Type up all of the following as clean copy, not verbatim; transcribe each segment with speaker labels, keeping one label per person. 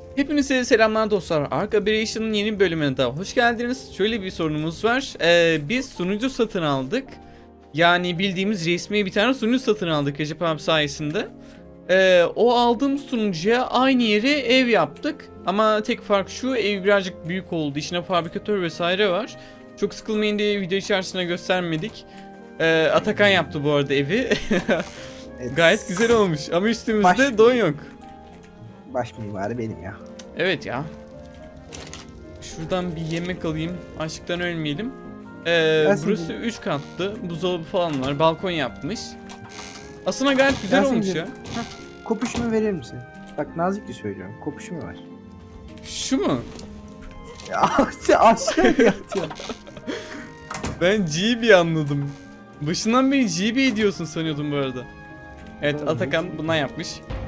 Speaker 1: Hepinize selamlar dostlar. Ark Operation'ın yeni bir bölümüne daha hoş geldiniz. Şöyle bir sorunumuz var. Biz sunucu satın aldık. Yani bildiğimiz resmi bir tane sunucu satın aldık Recep abi sayesinde. O aldığımız sunucuya aynı yere ev yaptık. Ama tek fark şu, ev birazcık büyük oldu. İçine fabrikatör vesaire var. Çok sıkılmayın diye video içerisine göstermedik. Atakan yaptı bu arada evi.
Speaker 2: Evet.
Speaker 1: Gayet güzel olmuş ama üstümüzde
Speaker 2: Baş-
Speaker 1: don yok.
Speaker 2: Baş mimarı benim ya.
Speaker 1: Evet ya. Şuradan bir yemek alayım. Açlıktan ölmeyelim.
Speaker 2: Yasin'cim.
Speaker 1: Burası 3 katlı. Buzdolabı falan var. Balkon yapmış. Aslında gayet güzel olmuş
Speaker 2: Yasin'cim.
Speaker 1: ya. Heh.
Speaker 2: Kopuşumu verir misin? Bak nazikçe söylüyorum. Kopuşumu ver.
Speaker 1: Şu mu?
Speaker 2: Ya aşağı yatıyor.
Speaker 1: Ben GB anladım. Başından beri GB diyorsun sanıyordum bu arada. Evet,
Speaker 2: Oğlum,
Speaker 1: Atakan bundan yapmış.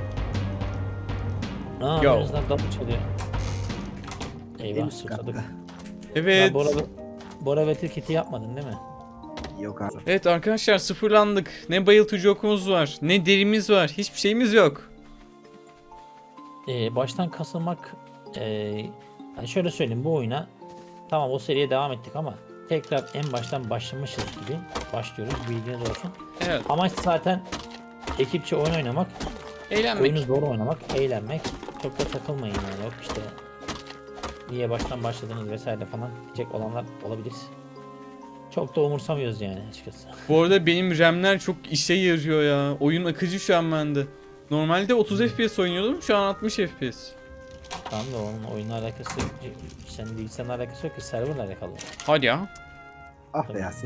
Speaker 3: Aa,
Speaker 1: Yo.
Speaker 3: birazdan kapı çalıyor.
Speaker 2: En
Speaker 3: Eyvah,
Speaker 2: üst
Speaker 3: susadık.
Speaker 2: katta.
Speaker 1: Evet.
Speaker 3: Bora ve Tilkit'i yapmadın değil mi?
Speaker 2: Yok abi.
Speaker 1: Evet arkadaşlar, sıfırlandık. Ne bayıltıcı okumuz var, ne derimiz var. Hiçbir şeyimiz yok.
Speaker 3: Baştan kasılmak, yani şöyle söyleyeyim, bu oyuna tamam o seriye devam ettik ama tekrar en baştan başlamışız gibi başlıyoruz, bilginiz olsun.
Speaker 1: Evet.
Speaker 3: Amaç zaten ekipçe oyun oynamak,
Speaker 1: Eğlenmek.
Speaker 3: oyunu zor oynamak, eğlenmek. Çok da takılmayın yani, yok işte niye baştan başladınız vesaire falan diyecek olanlar olabilir. Çok da umursamıyoruz yani açıkçası.
Speaker 1: Bu arada benim RAM'ler çok işe yarıyor ya. Oyun akıcı şu an bende. Normalde 30 FPS oynuyordum, şu an 60 FPS.
Speaker 3: Tamam da onun oyunla alakası yok. Senin bilgisayarla alakası yok ki, serverla alakalı.
Speaker 1: Hadi ya.
Speaker 2: Ah be Yasin.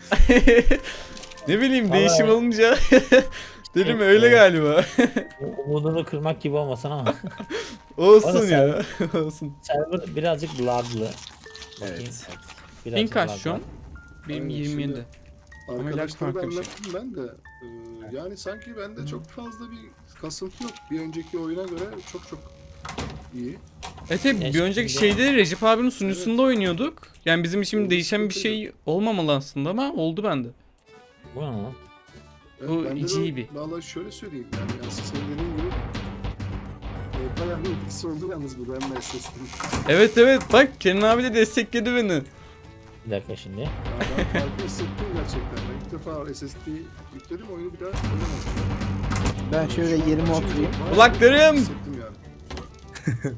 Speaker 1: Ne bileyim,
Speaker 3: Vallahi-
Speaker 1: değişim olunca dedim
Speaker 3: Evet,
Speaker 1: öyle
Speaker 3: evet.
Speaker 1: galiba.
Speaker 3: Umudunu kırmak gibi olmasın ama
Speaker 1: Olsun
Speaker 3: Orası
Speaker 1: ya. Olsun.
Speaker 3: server birazcık laglı. Bakayım.
Speaker 2: Evet.
Speaker 3: Birazcık
Speaker 1: Ping kaç
Speaker 3: lag
Speaker 1: şu an?
Speaker 3: var.
Speaker 1: Benim
Speaker 4: Aynen,
Speaker 1: 27.
Speaker 4: şimdi
Speaker 1: Ama lag
Speaker 4: Arkadaşlara da
Speaker 1: farklı bir şey.
Speaker 4: anlattım ben de. Yani sanki bende çok fazla bir kasıntı yok. Bir önceki oyuna göre çok iyi.
Speaker 1: Evet, hep bir
Speaker 3: Ya
Speaker 1: önceki
Speaker 3: şimdi-
Speaker 1: şeyde Recep abinin sunucusunda oynuyorduk. Yani bizim için değişen bir şey olmamalı aslında ama oldu bende.
Speaker 3: Bu ne lan?
Speaker 4: Evet,
Speaker 1: Bu
Speaker 4: bende de
Speaker 1: GB.
Speaker 4: Vallahi şöyle söyleyeyim yani senin dediğin gibi bayağı bir etkisi oldu yalnız bu RAM SSD'nin.
Speaker 1: Evet bak, Kenan abi de destekledi beni.
Speaker 3: Bir dakika şimdi.
Speaker 4: Ya ben farkı hissettim gerçekten. Ben ilk defa SSD yükledim, oyunu bir daha oynamadım.
Speaker 2: Ben şöyle
Speaker 4: Şu an
Speaker 2: yerime
Speaker 4: açınca
Speaker 2: oturayım.
Speaker 4: bayağı
Speaker 1: Kulaklarım!
Speaker 4: hissettim yani.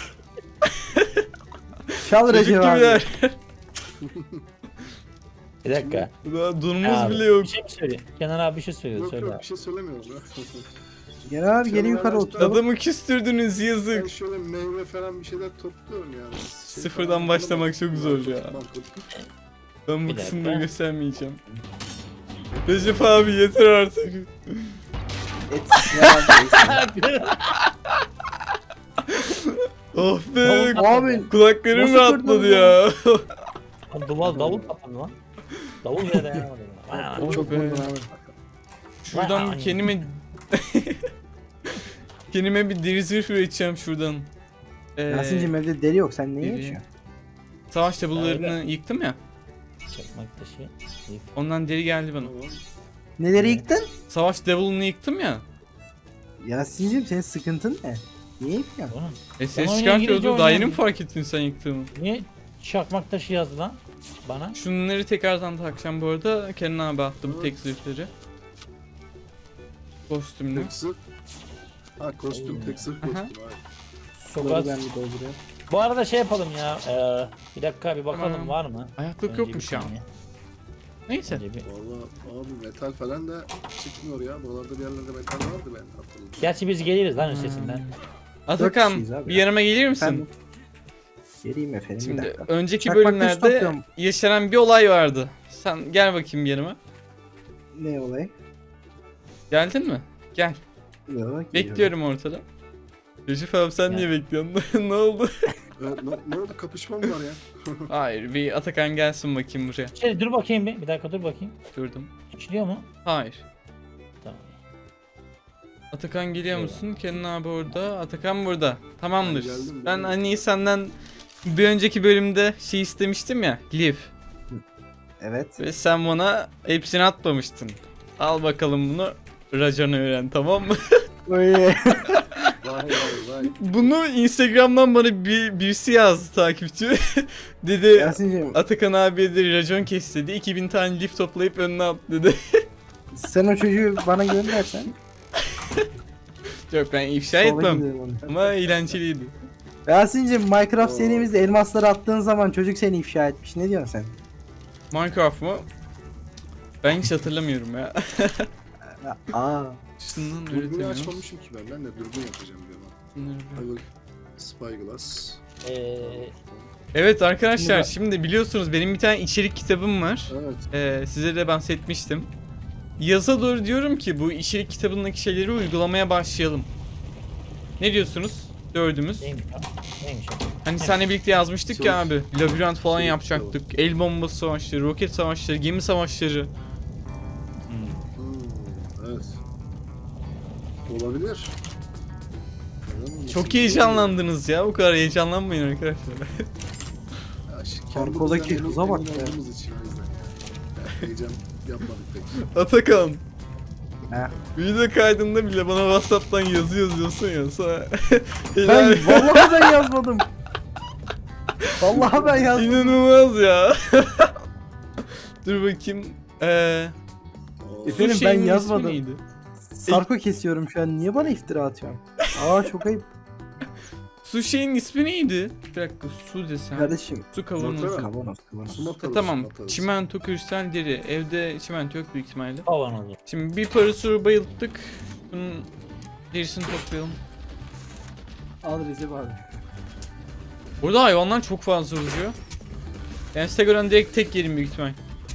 Speaker 2: Çal
Speaker 1: Çocuk
Speaker 2: Recep abi.
Speaker 1: gibiler.
Speaker 3: Bir dakika.
Speaker 1: Daha durumumuz
Speaker 3: Abi,
Speaker 1: bile yok.
Speaker 3: Bir şey mi söylüyor? Kenan abi bir şey söylüyor.
Speaker 4: Yok
Speaker 3: Söyle.
Speaker 4: yok bir şey söylemiyorum ya.
Speaker 2: Gel abi geri yukarı oturalım.
Speaker 1: Adamı küstürdünüz,
Speaker 4: Ben
Speaker 1: yazık.
Speaker 4: şöyle meyve falan bir şeyler topluyorum yani.
Speaker 1: Sıfırdan
Speaker 4: falan
Speaker 1: başlamak çok zor ya.
Speaker 4: mantıklı.
Speaker 1: Ben bu
Speaker 3: Bir
Speaker 1: kısımları
Speaker 3: dakika.
Speaker 1: göstermeyeceğim. Recep abi yeter artık.
Speaker 2: Et ya abi.
Speaker 1: Oh be.
Speaker 2: Abi
Speaker 1: Kulaklarım
Speaker 2: Nasıl
Speaker 1: rahatladı
Speaker 2: kırdın
Speaker 1: ya.
Speaker 3: Lan davul kapandı lan. Davul bile dayanamadı. Vay
Speaker 1: Oh
Speaker 2: çok
Speaker 1: be.
Speaker 2: vurdun abi.
Speaker 1: Şuradan
Speaker 3: Vay.
Speaker 1: kendime kendime bir deri zırh üreteceğim şuradan.
Speaker 2: Yasin'cim evde deri yok. Sen neyi
Speaker 1: deri.
Speaker 2: yaşıyorsun?
Speaker 1: Savaş tablolarını yıktım ya.
Speaker 3: Çakmak taşı. Zif.
Speaker 1: Ondan deri geldi bana.
Speaker 4: Tamam.
Speaker 2: Neleri yıktın?
Speaker 1: Savaş devil'ını yıktım ya.
Speaker 2: Yasin'cim senin sıkıntın ne? Niye yıkıyorsun?
Speaker 3: Oğlum,
Speaker 1: Ses
Speaker 3: oyunu
Speaker 1: çıkartıyordu.
Speaker 3: İngilizce
Speaker 1: Daha yeni mi
Speaker 3: oynuyorum.
Speaker 1: fark ettin sen yıktığımı?
Speaker 3: niye çakmak taşı yazdı lan bana?
Speaker 1: Şunları tekrardan takacağım bu arada. Kenan abi attım tek zırhları. Kostümlü.
Speaker 4: Tek zırh. Ha kostüm, tek zırh kostüm. Hayır.
Speaker 3: Çok
Speaker 2: Suları
Speaker 3: az.
Speaker 2: ben bir dolduruyorum.
Speaker 3: Bu arada şey yapalım ya. Bir dakika bir bakalım
Speaker 1: Tamam.
Speaker 3: var mı?
Speaker 1: Ayaklık
Speaker 3: Önce
Speaker 1: yokmuş
Speaker 3: bir
Speaker 1: ya.
Speaker 3: saniye.
Speaker 1: Neyse.
Speaker 3: Önce bir-
Speaker 4: Valla abi metal falan da çıkmıyor ya. Buralarda bir yerlerde metal vardı ben hatırladım.
Speaker 3: Gerçi biz geliriz lan üstesinden.
Speaker 1: Atakan
Speaker 2: kişiyiz abi
Speaker 1: bir
Speaker 2: ya.
Speaker 1: yanıma gelir misin?
Speaker 2: Ben geleyim efendim bir
Speaker 1: Şimdi
Speaker 2: dakika.
Speaker 1: önceki
Speaker 2: Çakmak taşı
Speaker 1: bölümlerde
Speaker 2: topluyorum.
Speaker 1: yaşanan bir olay vardı. Sen gel bakayım yanıma.
Speaker 2: Ne olay?
Speaker 1: Geldin mi? Gel.
Speaker 2: Yok, geliyorum.
Speaker 1: Bekliyorum ortada. Recep abi sen
Speaker 3: Ya.
Speaker 1: niye bekliyorsun? Ne oldu?
Speaker 4: Ne oldu, kapışma mı var ya?
Speaker 1: Hayır, bir Atakan gelsin bakayım buraya.
Speaker 3: Şey dur bakayım bir dakika dur bakayım.
Speaker 1: Durdum.
Speaker 3: İşliyor mu?
Speaker 1: Hayır.
Speaker 3: Tamam.
Speaker 1: Atakan geliyor
Speaker 3: Eyvah.
Speaker 1: musun? Kenan abi orada. Atakan burada. Tamamdır.
Speaker 4: Ben geldim,
Speaker 1: Ben
Speaker 4: geldim.
Speaker 1: hani senden bir önceki bölümde şey istemiştim ya. Liv.
Speaker 2: Evet.
Speaker 1: Ve sen bana hepsini atmamıştın. Al bakalım bunu. Raconu öğren, tamam mı?
Speaker 2: Oy.
Speaker 4: Vay vay vay.
Speaker 1: Bunu Instagram'dan bana birisi yazdı, takipçi. Dedi
Speaker 2: Yasin'cim
Speaker 1: Atakan abiye de racon kes dedi. 2000 tane lif toplayıp önüne at dedi.
Speaker 2: sen o çocuğu bana göndersen.
Speaker 1: Yok, ben ifşa
Speaker 2: sola
Speaker 1: etmem.
Speaker 2: giderim onu.
Speaker 1: Ama eğlenceliydi.
Speaker 2: Yasin'cim Minecraft
Speaker 4: Oo.
Speaker 2: serimizde elmasları attığın zaman çocuk seni ifşa etmiş. Ne diyorsun sen?
Speaker 1: Minecraft mı? Ben hiç hatırlamıyorum ya.
Speaker 2: Aa.
Speaker 1: Şundan
Speaker 4: Dürbünü
Speaker 1: üretemiyoruz.
Speaker 4: açmamışım ki ben. Ben de dürbün yapacağım diyorum.
Speaker 1: Bunları bir-
Speaker 4: I will spyglass.
Speaker 1: Evet arkadaşlar,
Speaker 2: Şimdi
Speaker 1: şimdi biliyorsunuz benim bir tane içerik kitabım var.
Speaker 4: Evet.
Speaker 1: Size de bahsetmiştim. Yaza doğru diyorum ki bu içerik kitabındaki şeyleri uygulamaya başlayalım. Ne diyorsunuz? Dördümüz.
Speaker 3: Neymiş o? Neymiş o?
Speaker 1: Hani seninle birlikte yazmıştık
Speaker 4: Çok-
Speaker 1: ya abi. Labirent falan
Speaker 4: çok
Speaker 1: yapacaktık. El bombası savaşları, roket savaşları, gemi savaşları.
Speaker 4: Evet. Olabilir. Neden olmasın?
Speaker 1: Çok heyecanlandınız ya. Bu kadar heyecanlanmayın arkadaşlar.
Speaker 4: Ya,
Speaker 2: Korkodaki
Speaker 4: kendimizden
Speaker 2: kıza bak
Speaker 4: emin
Speaker 2: be.
Speaker 4: olduğumuz için o yüzden ya. Heyecan yapmadık pek.
Speaker 1: Atakan.
Speaker 2: He.
Speaker 1: Video kaydında bile bana WhatsApp'tan yazı yazıyorsun ya. Sonra...
Speaker 2: Ben vallahi ben yazmadım. Vallahi ben yazmadım.
Speaker 1: İnanılmaz ya. Dur bakayım.
Speaker 4: Oo.
Speaker 2: Efendim,
Speaker 1: Bu şeyin
Speaker 2: ben
Speaker 1: ismi
Speaker 2: yazmadım.
Speaker 1: neydi?
Speaker 2: Sarko kesiyorum şu an. Niye bana iftira atıyorsun? Aa çok ayıp
Speaker 1: Su şeyin ismi neydi? Bir dakika, su desem.
Speaker 2: kardeşim.
Speaker 1: Su kavanozu.
Speaker 4: Nokta.
Speaker 2: Kavanoz kavanoz.
Speaker 4: Sumak atarız,
Speaker 1: Tamam.
Speaker 4: sumak atarız.
Speaker 1: Çimento, kristal, deri. Evde çimento yok büyük ihtimalle.
Speaker 3: Kavanozu.
Speaker 1: Şimdi bir parasuru bayılttık. Bunun derisini toplayalım.
Speaker 2: Al Recep abi.
Speaker 1: Burada hayvanlar çok fazla uzuyor. Yani size göre direkt tek yerim büyük ihtimal.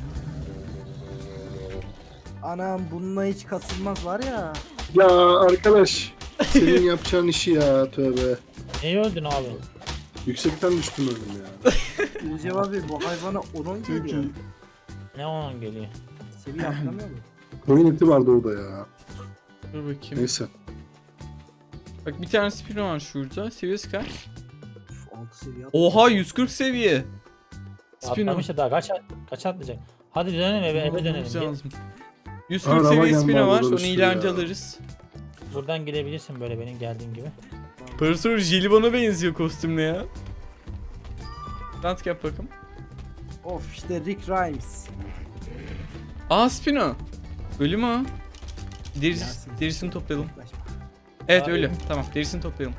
Speaker 2: Anam bununla hiç kasılmaz var ya.
Speaker 4: Ya arkadaş. Senin yapacağın işi ya tövbe.
Speaker 3: Neyi öldün abi?
Speaker 4: Yüksekten düştüm öldüm ya.
Speaker 2: Recep abi bu hayvana onun geliyor.
Speaker 3: Ne onun geliyor?
Speaker 2: Seviye atlamıyor mu?
Speaker 4: Koyun eti vardı orada ya.
Speaker 1: Dur bakayım.
Speaker 4: Neyse.
Speaker 1: Bak bir tane spino var şurada. Seviyesi kaç?
Speaker 2: Uf, 6 seviye
Speaker 1: Oha 140 seviye. Spino.
Speaker 3: Atlamış da daha kaç atlayacak? Hadi dönelim eve dönelim.
Speaker 1: Bulmamız
Speaker 3: Gel.
Speaker 1: lazım. 140
Speaker 4: Araba
Speaker 1: seviye
Speaker 4: geldi
Speaker 1: spino
Speaker 4: abi,
Speaker 1: var. Onu
Speaker 4: duruştu
Speaker 1: ileride
Speaker 4: ya.
Speaker 1: alırız.
Speaker 3: Buradan gidebilirsin böyle benim geldiğim gibi.
Speaker 1: Parasur Jelibon'a benziyor kostümle ya. Rant yap bakalım.
Speaker 2: Of işte Rick Grimes.
Speaker 1: Aa spino. Ölü mü o?
Speaker 2: Yasin.
Speaker 1: Derisini toplayalım.
Speaker 2: Yaklaşma.
Speaker 1: Evet
Speaker 3: Abi.
Speaker 1: ölü. Tamam derisini toplayalım.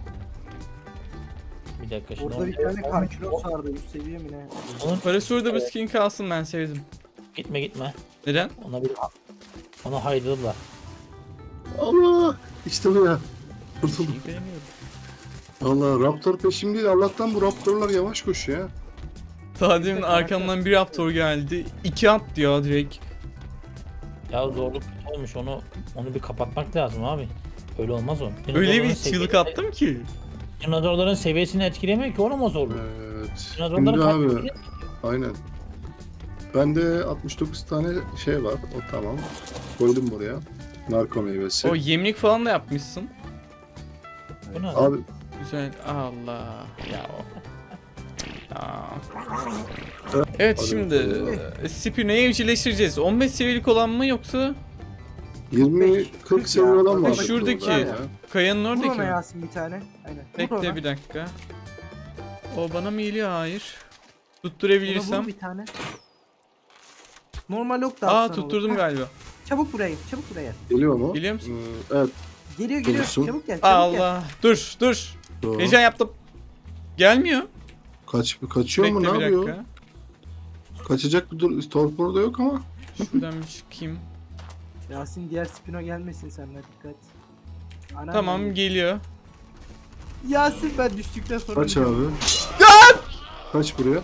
Speaker 3: Bir dakika şimdi.
Speaker 2: Orada bir tane karkilos vardı 100 seviye mi ne?
Speaker 3: Onun
Speaker 1: Parasur'da bu skin kalsın, ben sevdim.
Speaker 3: gitme.
Speaker 1: Neden?
Speaker 3: Onu haydadılar.
Speaker 4: Allah! İşte bu ya. Kurtuldum.
Speaker 1: İyi beğeniyorum.
Speaker 4: Allah Raptor peşimde. Allah'tan bu Raptorlar yavaş koşuyor ya.
Speaker 1: Daha demin arkamdan bir raptor geldi. 2 at diyor direkt.
Speaker 3: Ya zorluk kötü olmuş onu bir kapatmak lazım abi. Öyle olmaz o.
Speaker 1: Öyle
Speaker 3: Dinozorların
Speaker 1: bir çığlık
Speaker 3: seviyesi-
Speaker 1: attım ki.
Speaker 3: Dinozorların seviyesini etkilemiyor ki oğlum o zorluk.
Speaker 4: Evet.
Speaker 3: Dinozorların
Speaker 4: Şimdi abi.
Speaker 3: kalbini-
Speaker 4: Aynen. Bende 69 tane şey var. O tamam. Koydum buraya. Narko meyvesi.
Speaker 1: O yemlik falan da yapmışsın.
Speaker 3: Bu ne?
Speaker 4: Abi
Speaker 1: Güzel. Allah. Ya o. Ya. Evet
Speaker 4: Hadi
Speaker 1: şimdi Spino'yu evcilleştireceğiz. 15 seviyelik olan mı yoksa
Speaker 4: 20-40 seviye olan var.
Speaker 2: Bak
Speaker 1: şuradaki
Speaker 4: burada ya.
Speaker 1: kayanın
Speaker 2: Vur ona
Speaker 1: oradaki mi?
Speaker 2: Yasin bir tane. Aynen. Vur
Speaker 1: Bekle
Speaker 2: ona.
Speaker 1: bir dakika. O bana mı geliyor? Hayır.
Speaker 2: Ona
Speaker 1: Tutturabilirsem.
Speaker 2: vur bir tane. Normal ok da
Speaker 1: Aa
Speaker 2: atsan olur.
Speaker 1: tutturdum
Speaker 2: Heh,
Speaker 1: galiba.
Speaker 2: Çabuk buraya gel, çabuk buraya gel.
Speaker 4: Geliyor mu?
Speaker 1: Geliyor musun?
Speaker 4: Evet.
Speaker 2: Geliyor
Speaker 4: Dursun.
Speaker 2: çabuk gel çabuk gel.
Speaker 1: Allah. Dur.
Speaker 4: Doğru.
Speaker 1: Heyecan yaptım. Gelmiyor.
Speaker 4: Kaçıyor mu?
Speaker 1: Bekle
Speaker 4: Ne
Speaker 1: bir
Speaker 4: yapıyor?
Speaker 1: dakika.
Speaker 4: Kaçacak bir torpor da yok ama.
Speaker 1: Şuradan bir çıkayım.
Speaker 2: Yasin diğer spino gelmesin seninle dikkat. Anam
Speaker 1: Tamam
Speaker 2: benim.
Speaker 1: geliyor.
Speaker 2: Yasin ben düştükten sonra
Speaker 4: Kaç abi? Kaç buraya?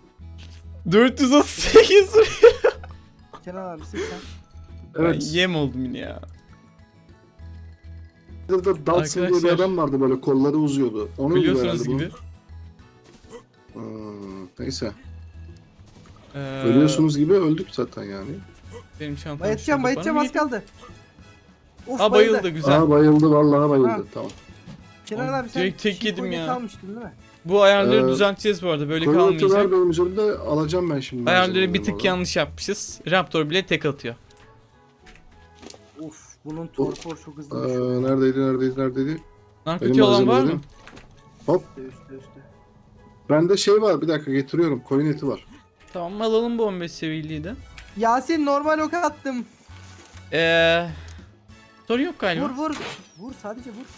Speaker 1: 438.
Speaker 2: Kenan abi sen.
Speaker 4: Evet.
Speaker 1: Ben yem oldum yine ya.
Speaker 4: Burada Dodson diye bir
Speaker 1: Arkadaşlar.
Speaker 4: adam vardı böyle kolları uzuyordu. Onun
Speaker 1: Biliyorsunuz
Speaker 4: herhalde bu.
Speaker 1: gibi.
Speaker 4: Neyse.
Speaker 1: Ee,
Speaker 4: Ölüyorsunuz gibi öldük zaten yani.
Speaker 1: Benim çantam
Speaker 2: Bayatacağım
Speaker 1: şurada.
Speaker 2: bayatacağım
Speaker 1: Bana
Speaker 2: az
Speaker 1: mı
Speaker 2: kaldı. Of
Speaker 1: Aa bayıldı güzel.
Speaker 4: Aa bayıldı vallahi bayıldı.
Speaker 2: Ha.
Speaker 4: Tamam.
Speaker 2: Kenan abi sen
Speaker 1: Direkt tek
Speaker 2: çiğ
Speaker 1: yedim
Speaker 2: koyun
Speaker 1: ya.
Speaker 2: kalmıştın değil mi?
Speaker 1: Bu ayarları
Speaker 4: Ee,
Speaker 1: düzelteceğiz bu arada. Böyle
Speaker 4: Koyun eti var
Speaker 1: kalmayacak.
Speaker 4: benim üzerimde alacağım ben şimdi.
Speaker 1: Ayarları bir
Speaker 4: malzemeleri
Speaker 1: tık
Speaker 4: vallahi.
Speaker 1: yanlış yapmışız. Raptor bile tek atıyor.
Speaker 2: Of bunun torpor çok hızlı düşüyor.
Speaker 4: Neredeydi?
Speaker 1: Narkotik
Speaker 4: Benim
Speaker 1: olan var mı?
Speaker 4: malzemelerim. Hop.
Speaker 2: Üstte.
Speaker 4: Bende şey var, bir dakika getiriyorum. Koyun eti var.
Speaker 1: Tamam alalım bu 15 seviyeliği de.
Speaker 2: Yasin normal ok attım.
Speaker 1: Sorun yok galiba.
Speaker 2: Vur. Vur sadece vur.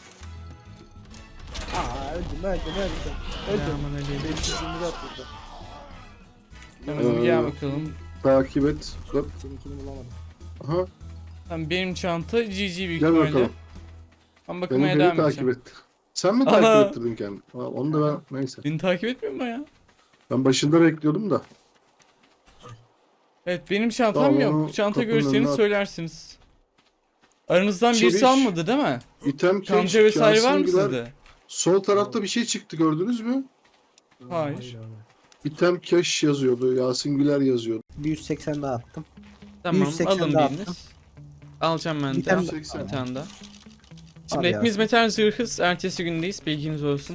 Speaker 2: Aa öldüm.
Speaker 1: Aman öyle.
Speaker 2: Benim sözümü de attırdı.
Speaker 1: Tamam gel bakalım.
Speaker 4: Takip et. Hop.
Speaker 2: Seninkini bulamadım.
Speaker 4: Aha.
Speaker 1: Tamam benim çanta GG büyük
Speaker 4: Gel
Speaker 1: ihtimalle.
Speaker 4: bakalım.
Speaker 1: Ben
Speaker 4: Beni
Speaker 1: bakmaya
Speaker 4: biri
Speaker 1: devam
Speaker 4: takip
Speaker 1: edeceğim.
Speaker 4: et. Sen mi
Speaker 1: Ana.
Speaker 4: takip ettirdin kendini? Ha, onu da ben neyse.
Speaker 1: Beni takip etmiyor mu ya?
Speaker 4: Ben başında bekliyordum da.
Speaker 1: Evet benim çantam
Speaker 4: Tamam,
Speaker 1: yok.
Speaker 4: onu
Speaker 1: Bu çanta
Speaker 4: kapının
Speaker 1: görürseniz
Speaker 4: önüne at.
Speaker 1: söylersiniz. Aranızdan birisi
Speaker 4: Çeviş.
Speaker 1: almadı değil mi?
Speaker 4: İtem
Speaker 1: Kanca vesaire var mı
Speaker 4: Yasin Güler.
Speaker 1: sizde?
Speaker 4: Sol tarafta bir şey çıktı, gördünüz mü?
Speaker 1: Hayır.
Speaker 4: İtem cash yazıyordu. Yasin Güler yazıyordu.
Speaker 2: Bir 180 daha attım.
Speaker 1: Tamam
Speaker 2: 180
Speaker 1: alın
Speaker 2: daha
Speaker 1: biriniz.
Speaker 2: attım.
Speaker 1: Alacağım ben
Speaker 2: Bir
Speaker 1: de.
Speaker 2: tane-
Speaker 4: 180.
Speaker 1: Bir tane daha.
Speaker 2: Al
Speaker 1: Şimdi hepimiz
Speaker 2: Yasin.
Speaker 1: metal zırhız. Ertesi gündeyiz. Bilginiz olsun.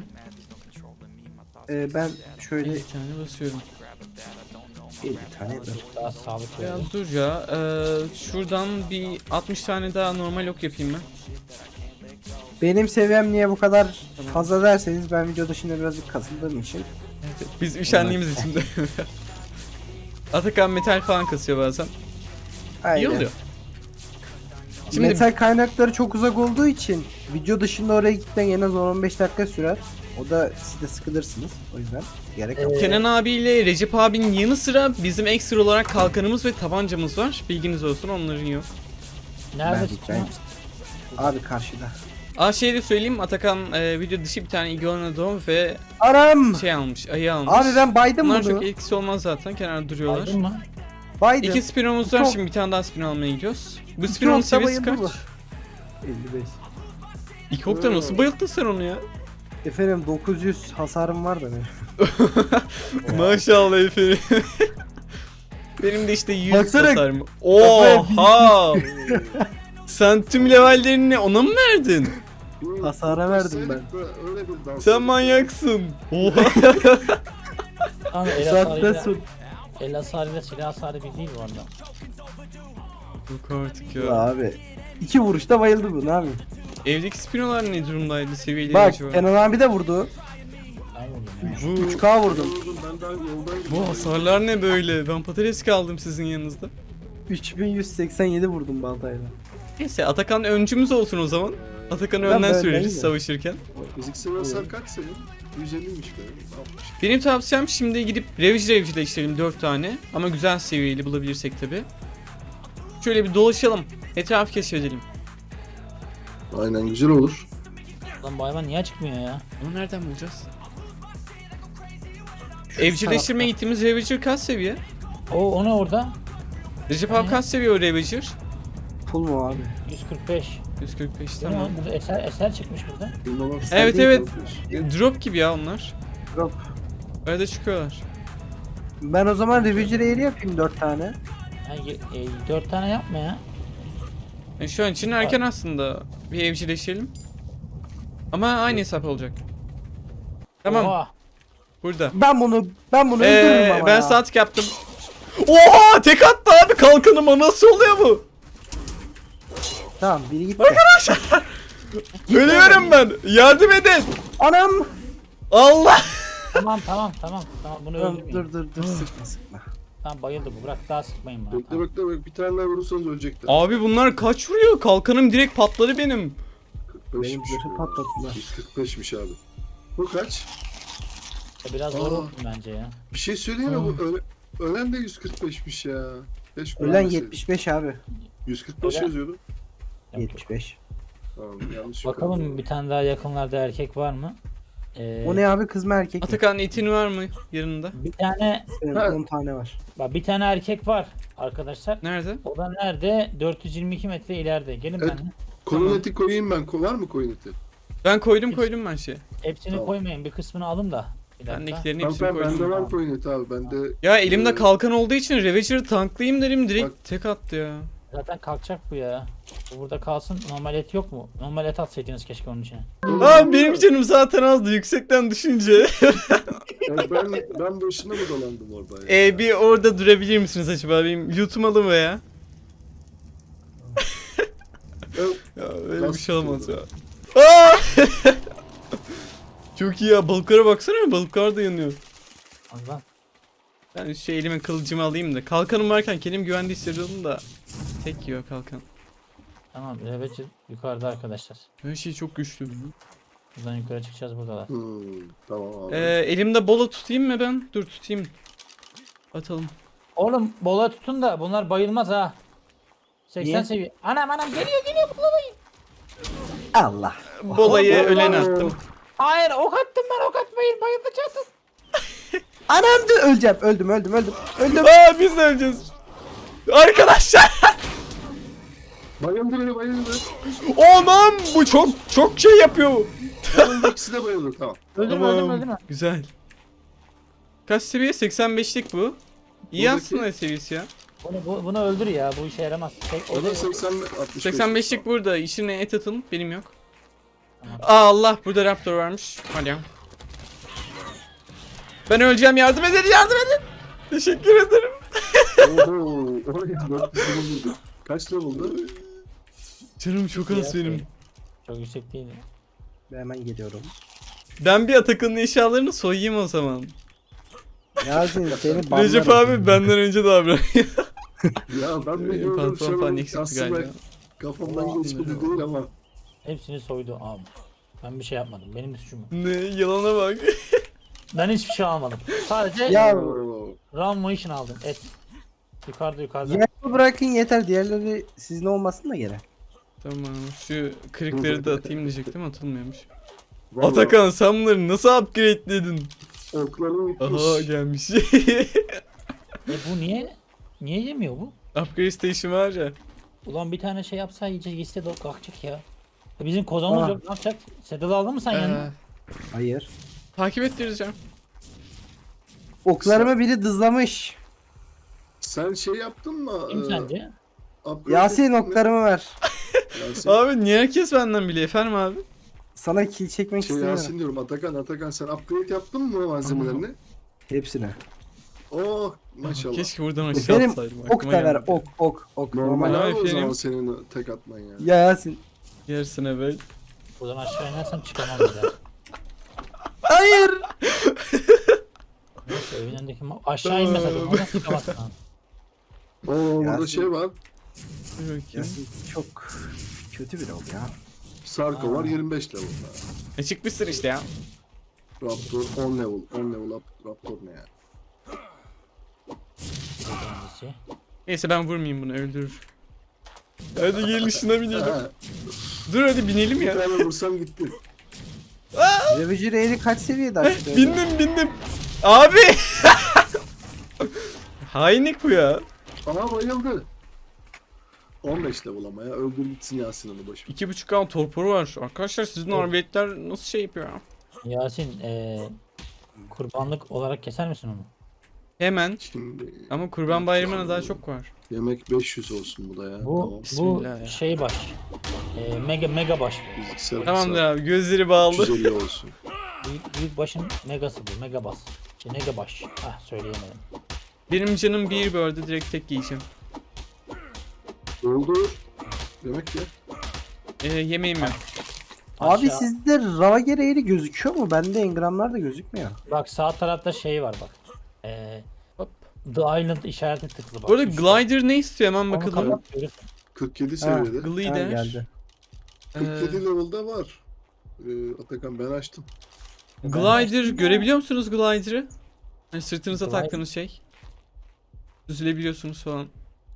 Speaker 2: Ben şöyle
Speaker 1: Bir tane basıyorum.
Speaker 2: bir tane
Speaker 3: Daha sağlıklı
Speaker 1: Ya
Speaker 3: olur.
Speaker 1: dur ya. Şuradan bir 60 tane daha normal ok yapayım ben.
Speaker 2: Benim seviyem niye bu kadar fazla derseniz ben video dışında birazcık kasıldığım için.
Speaker 1: Biz üşendiğimiz için de. Atakan metal falan kasıyor bazen.
Speaker 2: Aynen.
Speaker 1: İyi oluyor. Şimdi
Speaker 2: Metal kaynakları çok uzak olduğu için video dışında oraya gitmen en az 10-15 dakika sürer. O da siz de sıkılırsınız. O yüzden gerek yok.
Speaker 1: Kenan abiyle Recep abinin yanı sıra bizim ekstra olarak kalkanımız ve tabancamız var. Bilginiz olsun onların yok.
Speaker 2: Ben
Speaker 3: Nerede
Speaker 2: diyeceğim. Abi karşıda.
Speaker 1: Şey de söyleyeyim Atakan video dışı bir tane iguanodon ve
Speaker 2: Aram!
Speaker 1: şey almış, ayı almış.
Speaker 2: Abi ben baydım
Speaker 1: Bunlar
Speaker 2: bunu.
Speaker 1: çok etkisi olmaz zaten kenarda duruyorlar.
Speaker 3: Aydın mı?
Speaker 2: Baydım.
Speaker 1: İki spinomuz var
Speaker 2: Çok-
Speaker 1: şimdi bir tane daha spinon almaya gidiyoruz. Bu
Speaker 2: İki
Speaker 1: spinonun
Speaker 2: okta
Speaker 1: seviyesi
Speaker 2: bayıldı
Speaker 1: kaç?
Speaker 2: bu. 55.
Speaker 1: İki okta nasıl bayılttın sen onu ya?
Speaker 2: Efendim 900 hasarım var da benim.
Speaker 1: Maşallah efendim. Benim de işte 100
Speaker 2: Baksana.
Speaker 1: hasarım. Oha! Sen tüm levellerini ona mı verdin?
Speaker 2: Hasara verdim ben.
Speaker 4: Öyle bir dans.
Speaker 1: Sen manyaksın. Oha!
Speaker 3: Tamam el
Speaker 2: Saatte
Speaker 3: hasarıyla,
Speaker 2: sun.
Speaker 3: el hasarıyla silah hasarı bir değil bu arada.
Speaker 1: Yok artık
Speaker 2: Ya
Speaker 1: ya.
Speaker 2: abi. 2 vuruşta bayıldı bu ne yapayım?
Speaker 1: Evdeki spinolar ne durumdaydı seviyeleri
Speaker 2: Bak
Speaker 1: acaba?
Speaker 2: Kenan abi de vurdu.
Speaker 3: Ben vurdum ya.
Speaker 1: Bu,
Speaker 2: 3K vurdum.
Speaker 4: Ben daha yoldan
Speaker 1: bu hasarlar ne böyle? Ben patates kaldım sizin yanınızda.
Speaker 2: 3187 vurdum baltayla.
Speaker 1: Neyse Atakan öncümüz olsun o zaman. Atakan'ı
Speaker 2: Ben
Speaker 1: önden
Speaker 2: böyle
Speaker 1: süreriz
Speaker 2: değilim.
Speaker 1: savaşırken.
Speaker 4: Fiziksel hasar kaç senin? 150'ymiş benim. 60.
Speaker 1: Benim tavsiyem şimdi gidip revcileştirelim 4 tane. Ama güzel seviyeli bulabilirsek tabi. Şöyle bir dolaşalım. Etrafı keşfedelim.
Speaker 4: Aynen, güzel olur.
Speaker 3: Lan bu hayvan niye çıkmıyor ya?
Speaker 1: Onu nereden bulacağız?
Speaker 2: Şu
Speaker 1: Evcilleştirmeye gittiğimiz Ravager kaç seviye?
Speaker 3: O ne orada?
Speaker 1: Recep abi kaç seviye o Ravager?
Speaker 2: tarafta. Full mu abi?
Speaker 3: 145.
Speaker 1: 145
Speaker 3: Tamam.
Speaker 1: tamam.
Speaker 3: Burada eser çıkmış burada.
Speaker 4: Bilmem.
Speaker 1: Evet
Speaker 2: değil
Speaker 1: evet.
Speaker 4: mi?
Speaker 1: Drop gibi ya onlar.
Speaker 2: Drop.
Speaker 1: Arada çıkıyorlar.
Speaker 2: Ben o zaman Ravager Air'i yapayım 4 tane.
Speaker 3: Yani, 4 tane yapma ya.
Speaker 1: Yani şu an için erken aslında. Bir evcilleşelim. Ama aynı hesap olacak. Tamam
Speaker 3: Oha.
Speaker 1: burada.
Speaker 2: Ben bunu öldürürüm ama
Speaker 1: Ben
Speaker 2: ya.
Speaker 1: saatlik yaptım. Oha tek attı abi kalkanıma nasıl oluyor bu?
Speaker 2: Tamam biri gitti.
Speaker 1: Ölüyorum ben. Yardım edin.
Speaker 2: Anam!
Speaker 1: Allah.
Speaker 3: Tamam bunu
Speaker 2: Tamam,
Speaker 3: öldürmeyin.
Speaker 2: dur sıkma.
Speaker 3: Tamam bayıldı bu. Bırak daha sıkmayın bana.
Speaker 4: Bekle
Speaker 3: Tamam.
Speaker 4: bekle bekle. Bir tane daha vurursanız ölecekler.
Speaker 1: Abi bunlar kaç vuruyor? Kalkanım direkt patladı benim.
Speaker 4: 45'miş.
Speaker 2: Benim zırhı patlattılar.
Speaker 4: 145'miş abi. Bu kaç?
Speaker 3: Biraz zor
Speaker 4: Aa.
Speaker 3: oldu bence ya.
Speaker 4: Bir şey söyleyeyim mi? Bu ölen de 145'miş ya. Keşke
Speaker 2: Ölen
Speaker 4: ölmeseydi.
Speaker 2: 75 abi.
Speaker 4: 145
Speaker 3: Ölen-
Speaker 4: yazıyordu.
Speaker 2: 75.
Speaker 4: Tamam, yanlış
Speaker 3: Bakalım
Speaker 4: yok.
Speaker 3: bir tane daha yakınlarda erkek var mı?
Speaker 2: O ne abi kız mı erkek mi?
Speaker 1: Atakan itin var mı yanında?
Speaker 3: Bir tane
Speaker 2: Benim
Speaker 4: Ha.
Speaker 2: 10 tane var.
Speaker 3: bak bir tane erkek var arkadaşlar.
Speaker 1: Nerede?
Speaker 3: O da nerede? 422 metre ileride. Gelin
Speaker 4: Evet.
Speaker 3: benimle.
Speaker 4: Koyun
Speaker 1: Tamam.
Speaker 4: eti koyayım ben. Var mı koyun eti?
Speaker 1: Ben koydum ben şey.
Speaker 3: Hepsini
Speaker 4: Tamam.
Speaker 3: koymayın. Bir kısmını alın da. Bir dakika.
Speaker 1: Bendekilerin
Speaker 4: Tamam
Speaker 1: hepsini
Speaker 4: tamam, bende
Speaker 1: koydum.
Speaker 4: var koyun eti abi. Bende
Speaker 1: Ya elimde
Speaker 4: Ee,
Speaker 1: kalkan olduğu için Ravager'ı tanklayayım dedim direkt
Speaker 4: Bak.
Speaker 1: tek attı ya.
Speaker 3: Zaten kalkacak bu ya. Bu burada kalsın. Normal et yok mu? Normal et atsaydınız keşke onun içine.
Speaker 1: Abi benim canım zaten azdı yüksekten düşünce.
Speaker 4: Yani ben boşuna mı dolandım orada ya?
Speaker 1: Bir orada durabilir misiniz acaba? Benim lootum alın be ya.
Speaker 4: Evet.
Speaker 1: Ya öyle bir
Speaker 4: Nasıl
Speaker 1: şey olmaz ya.
Speaker 4: tutuyordu?
Speaker 1: Aa! Çok iyi ya, balıklara baksana, balıklar da yanıyor.
Speaker 3: Allah.
Speaker 1: Ben şu elime kılıcımı alayım da. Kalkanım varken kendim güvende hissediyordum da. Tek yiyor kalkan.
Speaker 3: Tamam, Ravage yukarıda arkadaşlar.
Speaker 1: Her şey çok güçlü.
Speaker 3: Buradan yukarı çıkacağız, buradalar.
Speaker 4: Tamam abi.
Speaker 1: Elimde bola tutayım mı ben? Dur tutayım. Atalım.
Speaker 3: Oğlum bola tutun da bunlar bayılmaz ha. 80
Speaker 2: Niye?
Speaker 3: seviye. Anam geliyor bulamayın.
Speaker 2: Allah.
Speaker 1: Bolayı
Speaker 3: Allah.
Speaker 1: ölene attım.
Speaker 3: Hayır ok attım ben, ok atmayın, bayılacaksın.
Speaker 2: Anam da öleceğim. Öldüm. Öldüm.
Speaker 1: Aa, biz de öleceğiz. Arkadaşlar.
Speaker 4: Bayıldı beni bayıldı.
Speaker 1: Aman, bu çok şey yapıyor.
Speaker 4: Bayıldı, ikisi de bayıldı tamam.
Speaker 3: Öldürme
Speaker 1: Tamam,
Speaker 3: öldürme.
Speaker 1: güzel. Kaç seviye? 85'lik bu. İyi
Speaker 4: Buradaki-
Speaker 1: aslında seviyesi ya.
Speaker 3: Bunu öldür ya, bu işe yaramaz.
Speaker 4: O da 80 65.
Speaker 1: 85'lik burada. İşine et atın. Benim yok.
Speaker 3: Tamam.
Speaker 1: Aa, Allah, burada raptor varmış. Hadi ya. Ben öleceğim, yardım edin. Teşekkür ederim.
Speaker 4: Oho. Oraya 400 buldu. Kaç lira buldu?
Speaker 1: Canım çok az benim.
Speaker 3: Çok yüksek değil.
Speaker 2: Ben hemen geliyorum.
Speaker 1: Ben bir Atakan'ın eşyalarını soyayım o zaman.
Speaker 2: Yasin seni banlarım.
Speaker 1: Recep abi benden önce davranıyor.
Speaker 4: Ya ben de
Speaker 1: Pantolon
Speaker 4: gördüm şu
Speaker 1: falan
Speaker 4: an
Speaker 1: eksikti
Speaker 4: aslında
Speaker 1: galiba.
Speaker 4: kafamdan geçmedi değil ama.
Speaker 3: Hepsini soydu abi. Ben bir şey yapmadım. Benim suçum yok.
Speaker 1: Ne, yalana bak.
Speaker 3: Ben hiçbir şey almadım. Sadece
Speaker 2: Ya
Speaker 4: Oo.
Speaker 3: Round Motion aldım. Et. Yukarıda.
Speaker 2: yerimi bırakın yeter. Diğerleri sizin olmasın da gene.
Speaker 1: Tamam, şu kırıkları da atayım diyecektim, atılmıyormuş.
Speaker 4: Vallahi
Speaker 1: Atakan, sen bunları nasıl upgrade'ledin?
Speaker 4: oklarım gitmiş.
Speaker 1: Aha, gelmiş.
Speaker 3: Bu niye yemiyor bu?
Speaker 1: Upgrade station var ya.
Speaker 3: Ulan bir tane şey yapsa iyice gitse de kalkacak ya. Bizim kozamız
Speaker 2: Aa.
Speaker 3: yok, ne yapacak? Sedal aldın mı sen yanına?
Speaker 2: Hayır.
Speaker 1: Takip ettireceğim.
Speaker 2: Oklarımı biri dızlamış.
Speaker 4: Sen şey yaptın mı?
Speaker 3: Kim sence?
Speaker 4: Upgrade
Speaker 2: Yasin
Speaker 4: ettin mi?
Speaker 2: oklarımı ver.
Speaker 4: Yasin.
Speaker 1: Abi niye herkes benden biliyor efendim abi?
Speaker 2: Sana kill çekmek
Speaker 4: Şey
Speaker 2: istemiyorum.
Speaker 4: Yasin diyorum Atakan sen upgrade yaptın mı malzemelerini?
Speaker 2: Hepsine.
Speaker 4: Oh maşallah.
Speaker 1: Keşke buradan aşağı
Speaker 2: Benim
Speaker 1: atsaydım.
Speaker 2: ok
Speaker 1: aklıma
Speaker 2: da ver.
Speaker 1: gelmedi.
Speaker 2: Ok.
Speaker 4: Normal
Speaker 2: Normal.
Speaker 1: Abi
Speaker 4: abi o zaman
Speaker 1: efendim.
Speaker 4: senin tek atman ya.
Speaker 2: Ya Yasin.
Speaker 1: Yersin evet.
Speaker 3: Buradan aşağı inersem çıkamam bir daha.
Speaker 2: Hayır.
Speaker 3: Neyse evin önündeki aşağı inmese de ona çıkamazsın ha.
Speaker 4: Oo burada
Speaker 2: Yasin.
Speaker 4: şey var.
Speaker 1: Dur bakayım.
Speaker 2: Yasin çok kötü biri oldu ya.
Speaker 4: Sarko var 25 level.
Speaker 1: Çıkmışsın işte ya.
Speaker 4: Raptor 10 level. 10 level Raptor ne ya?
Speaker 3: Birincisi.
Speaker 1: Neyse, ben vurmayayım bunu, öldürür. Hadi gelin şuna binelim.
Speaker 4: Ha,
Speaker 1: Dur hadi binelim
Speaker 4: bir
Speaker 1: ya.
Speaker 4: tane vursam gitti.
Speaker 2: Ravager Air'i kaç seviyede açtı?
Speaker 1: Bindim. Abi. Hainlik bu ya.
Speaker 4: Aha bayıldı. 15 level ama ya. Öldür gitsin Yasin onu boş ver.
Speaker 1: 2.5K torporu var. Arkadaşlar sizin arbeletler nasıl şey yapıyor ya?
Speaker 3: Yasin kurbanlık olarak keser misin onu?
Speaker 1: Hemen.
Speaker 4: Şimdi
Speaker 1: Ama Kurban Bayramı'na daha çok var.
Speaker 4: yemek 500 olsun bu da ya.
Speaker 3: Bu
Speaker 4: Tamam.
Speaker 1: Bismillah ya.
Speaker 3: şey baş. Mega baş.
Speaker 4: Fiziksel
Speaker 1: Tamamdır abi, gözleri bağlı.
Speaker 4: 350 olsun.
Speaker 3: Büyük başın megası bu. Mega bas. Mega baş. Söyleyemedim.
Speaker 1: Benim canım bir böldü, direkt tek yiyeceğim.
Speaker 4: Oldu. Yemek ye.
Speaker 1: Yemeğim yok.
Speaker 2: Abi
Speaker 3: Aşağı-
Speaker 2: sizde Ravager Air'i gözüküyor mu? Bende engramlar da gözükmüyor.
Speaker 3: Bak sağ tarafta şey var bak.
Speaker 1: Hop.
Speaker 3: The Island işareti tıklı bak.
Speaker 1: Bu arada
Speaker 3: Üstte.
Speaker 1: Glider ne istiyor, hemen
Speaker 3: Onu
Speaker 1: bakalım.
Speaker 3: kapat, görürsün.
Speaker 4: 47
Speaker 2: Ha.
Speaker 4: seviyede.
Speaker 2: Ha,
Speaker 1: Glider.
Speaker 2: geldi.
Speaker 4: 47 level'da var. Atakan ben açtım.
Speaker 1: Glider görebiliyor musunuz Glider'ı? Hani sırtınıza
Speaker 3: Glider.
Speaker 1: taktığınız şey. Düzülebiliyorsunuz falan.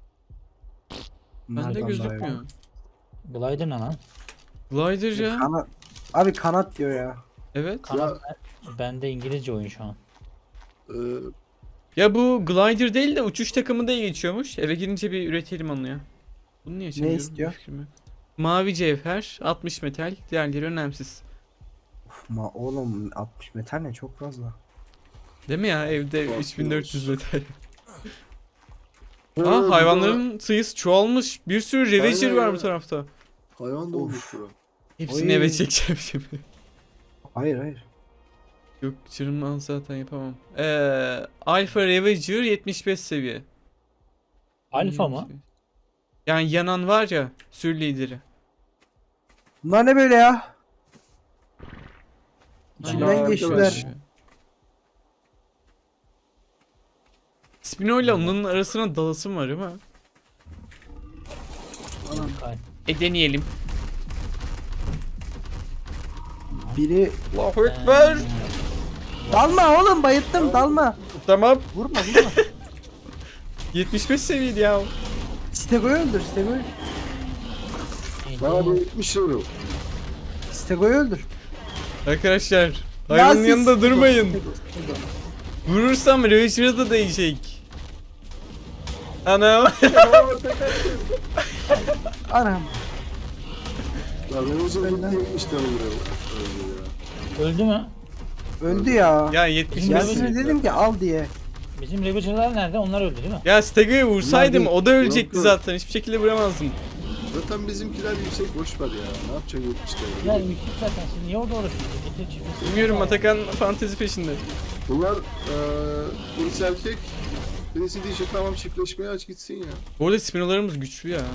Speaker 1: Bende
Speaker 2: Nereden daha iyi?
Speaker 1: gözükmüyor.
Speaker 3: Glider ne lan?
Speaker 1: Glider ya.
Speaker 2: Kanat. Abi kanat diyor ya.
Speaker 1: Evet.
Speaker 3: Kanat bende İngilizce oyun şu an.
Speaker 4: Ee,
Speaker 1: Ya bu Glider değil de uçuş takımı da geçiyormuş. Eve girince bir üretelim onu ya. Bunu niye açamıyorum?
Speaker 2: istiyor?
Speaker 1: Bir fikrim yok. Mavi cevher, 60 metal, diğerleri önemsiz.
Speaker 2: Uf, oğlum 60 metal ne çok fazla.
Speaker 1: Değil mi ya, evde
Speaker 4: Çok
Speaker 1: 3400
Speaker 4: iyi
Speaker 1: metal.
Speaker 4: burada
Speaker 1: Aa, hayvanların sayısı çoğalmış. Bir sürü Ravager
Speaker 4: Aynen
Speaker 1: var
Speaker 4: ya.
Speaker 1: bu tarafta.
Speaker 4: hayvan da olmuş bura.
Speaker 1: Hepsini
Speaker 2: Oy.
Speaker 1: eve çekeceğim şimdi.
Speaker 2: Hayır.
Speaker 1: Yok canım, zaten yapamam. Alpha Ravager 75 seviye.
Speaker 3: Alfa mı?
Speaker 1: Yani yanan var ya, sür lideri.
Speaker 2: Bunlar ne böyle ya? İçinden geçtiler.
Speaker 4: arkadaş.
Speaker 1: Spino ile onun arasına dalasım var ama.
Speaker 3: Ay,
Speaker 1: Deneyelim.
Speaker 2: Biri
Speaker 1: Allahu Ekber.
Speaker 2: dalma oğlum, bayılttım, dalma.
Speaker 1: Tamam.
Speaker 2: Vurma vurma.
Speaker 1: 75 seviyedi ya.
Speaker 2: Stego'yu öldür, Stego'yu.
Speaker 4: Bana bu 70 euro.
Speaker 2: Stego'yu öldür.
Speaker 1: Arkadaşlar
Speaker 2: Ya
Speaker 1: hayvanın
Speaker 2: siz-
Speaker 1: yanında durmayın.
Speaker 2: Stego, Stego.
Speaker 1: Vurursam Ravager'a da değecek. Anam.
Speaker 2: Anam.
Speaker 4: Ya ben o zaman 70 tane buraya.
Speaker 3: öldü mü?
Speaker 2: Öldü ya.
Speaker 1: Ya 75
Speaker 2: Ya
Speaker 3: Bizim-
Speaker 2: size dedim ki al diye.
Speaker 3: Bizim Ravager'lar nerede? Onlar öldü değil mi?
Speaker 1: Ya Stego'ya vursaydım
Speaker 2: Bunlar
Speaker 1: o da ölecekti
Speaker 4: Yok, yok.
Speaker 1: zaten. Hiçbir şekilde vuramazdım.
Speaker 4: Zaten bizimkiler yüksek, boş ver ya. Ne yapacaksın 70
Speaker 3: Ya
Speaker 4: tane?
Speaker 3: yüksek zaten. Siz niye orada uğraşıyorsunuz? Getir çiftesi.
Speaker 1: Bilmiyorum, Atakan fantezi peşinde.
Speaker 4: Bunlar polis erkek. Birisi diyecek tamam çiftleşmeye aç gitsin ya.
Speaker 1: Bu arada spinolarımız güçlü ya.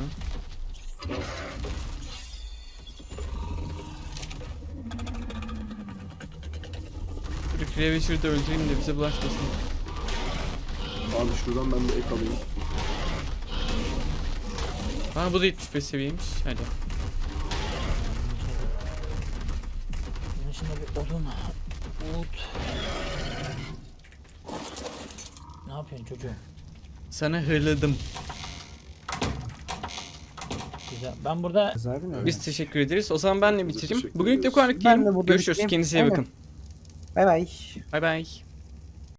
Speaker 1: Ravager'ı da öldüreyim de bize bulaşmasın.
Speaker 4: Abi şuradan ben de ek alayım.
Speaker 1: Ha bu da 75 seviyeymiş. Hadi.
Speaker 3: Bunun içinde bir odun. Umut. Ne yapıyorsun çocuğum?
Speaker 1: Sana hırladım.
Speaker 3: Güzel. Ben burada
Speaker 2: Abi ne?
Speaker 1: Biz teşekkür ederiz. O zaman ben de bitireyim.
Speaker 4: teşekkür
Speaker 1: Bugünlük de bu
Speaker 4: ederiz.
Speaker 1: kadar.
Speaker 2: Ben de burada
Speaker 1: Görüşürüz.
Speaker 2: bitireyim.
Speaker 1: Kendinize iyi
Speaker 2: Aynen.
Speaker 1: bakın.
Speaker 2: Bay bay.
Speaker 1: Bay bay.